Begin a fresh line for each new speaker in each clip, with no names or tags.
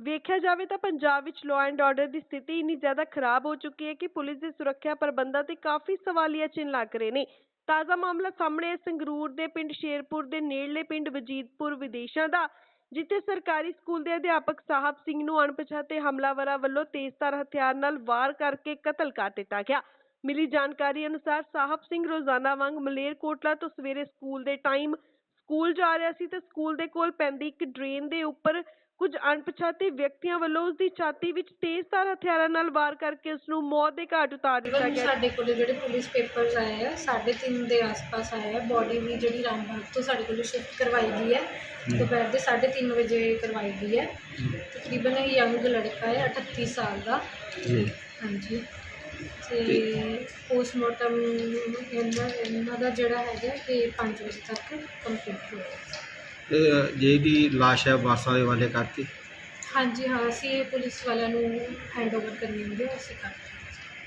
ਵੇਖਿਆ ਜਾਵੇ ਤਾਂ ਪੰਜਾਬ ਵਿੱਚ ਲਾਅ ਐਂਡ ਆਰਡਰ ਦੀ ਸਥਿਤੀ ਇੰਨੀ ਜ਼ਿਆਦਾ ਖਰਾਬ ਹੋ ਚੁੱਕੀ ਹੈ ਕਿ ਪੁਲਿਸ ਦੇ ਸੁਰੱਖਿਆ ਪ੍ਰਬੰਧਾਂ ਤੇ ਕਾਫੀ ਸਵਾਲੀਆ ਚਿੰਨ੍ਹ ਲੱਗ ਰਹੇ ਨੇ। ਤਾਜ਼ਾ ਮਾਮਲਾ ਸਾਹਮਣੇ ਹੈ ਸੰਗਰੂਰ ਦੇ ਪਿੰਡ ਸ਼ੇਰਪੁਰ ਦੇ ਨੇੜਲੇ ਪਿੰਡ ਵਜੀਦਪੁਰ ਵਿਦੇਸ਼ਾਂ ਦਾ, ਜਿੱਥੇ ਸਰਕਾਰੀ ਸਕੂਲ ਦੇ ਅਧਿਆਪਕ ਸਾਹਿਬ ਸਿੰਘ ਨੂੰ ਅਣਪਛਾਤੇ ਹਮਲਾਵਰਾਂ ਵੱਲੋਂ ਤੇਜ਼ਧਾਰ ਹਥਿਆਰ ਨਾਲ ਵਾਰ ਕਰਕੇ ਕਤਲ ਕਰ ਦਿੱਤਾ ਗਿਆ। ਮਿਲੀ ਜਾਣਕਾਰੀ ਅਨੁਸਾਰ ਸਾਹਿਬ ਸਿੰਘ ਰੋਜ਼ਾਨਾ ਵਾਂਗ ਮਲੇਰਕੋਟਲਾ ਤੋਂ ਸਵੇਰੇ ਸਕੂਲ ਦੇ ਟਾਈਮ ਸਕੂਲ ਜਾ ਰਿਹਾ ਸੀ ਤੇ ਸਕੂਲ ਦੇ ਕੋਲ ਪੈਂਦੀ ਇੱਕ ਡਰੇਨ ਦੇ ਉੱਪਰ ਕੁਝ ਅਣਪਛਾਤੇ ਵਿਅਕਤੀਆਂ ਵੱਲੋਂ ਉਸ ਦੀ ਛਾਤੀ ਵਿੱਚ ਤੇਜ਼ਧਾਰ ਹਥਿਆਰਾਂ ਨਾਲ ਵਾਰ ਕਰਕੇ ਉਸ ਨੂੰ ਮੌਤ ਦੇ ਘਾਟ ਉਤਾਰ ਦਿੱਤਾ ਗਿਆ।
ਸਾਡੇ ਕੋਲ ਜਿਹੜੇ ਪੁਲਿਸ ਪੇਪਰਸ ਆਏ ਆ 3:30 ਦੇ ਆਸ-ਪਾਸ ਆਏ ਆ। ਬੋਡੀ ਵੀ ਜਿਹੜੀ ਰਾਮਬਾਗ ਤੋਂ ਸਾਡੇ ਕੋਲ ਸ਼ਿਫਟ ਕਰਵਾਈ ਗਈ ਹੈ, ਦੁਪਹਿਰ ਦੇ 3:30 ਵਜੇ ਕਰਵਾਈ ਗਈ ਹੈ। ਤਕਰੀਬਨ ਇਹ ਯੰਗ ਲੜਕਾ ਹੈ 38 ਸਾਲ ਦਾ ਜੀ। ਹਾਂਜੀ, ਤੇ ਪੋਸਟਮਾਰਟਮ ਇਹਨਾਂ ਦਾ ਜਿਹੜਾ ਹੈਗਾ ਕਿ 5 ਵਜੇ ਤੱਕ ਕੰਪਲੀਟ ਹੋ ਜਾਏਗਾ।
ਜਿਹੜੀ ਲਾਸ਼ ਹੈ ਵਾਰਸਾਂ ਦੇ ਹਵਾਲੇ ਕਰਤੀ।
ਹਾਂਜੀ ਹਾਂ, ਅਸੀਂ ਪੁਲਿਸ ਵਾਲਿਆਂ ਨੂੰ ਹੈਂਡਓਵਰ ਕਰਨੀ ਹੁੰਦੀ ਹੈ, ਅਸੀਂ ਕਰਦੇ ਹਾਂ।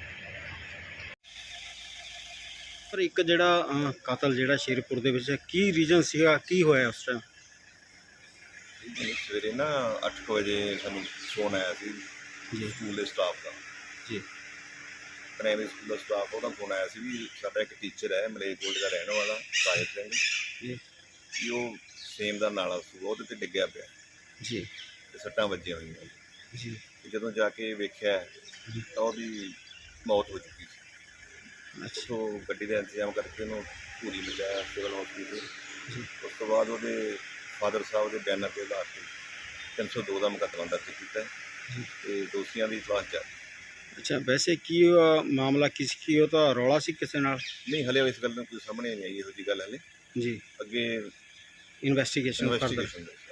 ਪਰ ਇੱਕ ਜਿਹੜਾ ਕਤਲ ਜਿਹੜਾ ਸ਼ੇਰਪੁਰ ਦੇ ਵਿੱਚ ਕੀ ਰੀਜ਼ਨ ਸੀਗਾ, ਕੀ ਹੋਇਆ ਉਸ ਟਾਈਮ?
ਸਵੇਰੇ ਨਾ 8 ਵਜੇ ਸਾਨੂੰ ਫੋਨ ਆਇਆ ਸੀ
ਜੀ
ਸਕੂਲ ਦੇ ਸਟਾਫ ਦਾ,
ਜੀ
ਪ੍ਰਾਇਮਰੀ ਸਕੂਲ ਦਾ ਸਟਾਫ, ਉਹਦਾ ਫੋਨ ਆਇਆ ਸੀ ਵੀ ਸਾਡਾ ਇੱਕ ਟੀਚਰ ਹੈ ਮਲੇਰਕੋਟਲੇ ਦਾ ਰਹਿਣ ਵਾਲਾ ਸਾਹਿਬ ਸਿੰਘ
ਜੀ,
ਵੀ ਉਹ ਸੇਮ ਦਾ ਨਾਲਾ ਸੀ ਉਹਦੇ 'ਤੇ ਡਿੱਗਿਆ ਪਿਆ
ਜੀ
ਤੇ ਸੱਟਾਂ ਵੱਜੀਆਂ ਹੋਈਆਂ
ਜੀ।
ਤੇ ਜਦੋਂ ਜਾ ਕੇ ਵੇਖਿਆ ਤਾਂ ਉਹਦੀ ਮੌਤ ਹੋ ਚੁੱਕੀ ਸੀ।
ਅੱਛਾ
ਉੱਥੋਂ ਗੱਡੀ ਦਾ ਇੰਤਜ਼ਾਮ ਕਰਕੇ ਉਹਨੂੰ ਪੂਰੀ ਲਿਜਾਇਆ ਸਿਵਲ ਹਸਪੀਟਲ।
ਜੀ।
ਉਸ ਤੋਂ ਬਾਅਦ ਉਹਦੇ ਫਾਦਰ ਸਾਹਿਬ ਦੇ ਬਿਆਨਾਂ 'ਤੇ ਆਧਾਰ 'ਤੇ 302 ਦਾ ਮੁਕੱਦਮਾ ਦਰਜ ਕੀਤਾ
ਜੀ।
ਤੇ ਦੋਸ਼ੀਆਂ ਦੀ ਤਲਾਸ਼ ਜਾਰੀ।
ਅੱਛਾ, ਵੈਸੇ ਕੀ ਮਾਮਲਾ ਕੀ ਉਹ ਤਾਂ ਰੌਲਾ ਸੀ ਕਿਸੇ ਨਾਲ?
ਨਹੀਂ, ਹਲੇ ਇਸ ਗੱਲ ਨੂੰ ਕੋਈ ਸਾਹਮਣੇ ਨਹੀਂ ਆਈ, ਇਹੋ ਜਿਹੀ ਗੱਲ ਹਲੇ
ਜੀ
ਅੱਗੇ
ਇਨਵੈਸਟੀਗੇਸ਼ਨ
ਇਨਵੈਸਟੀਗੇਸ਼ਨ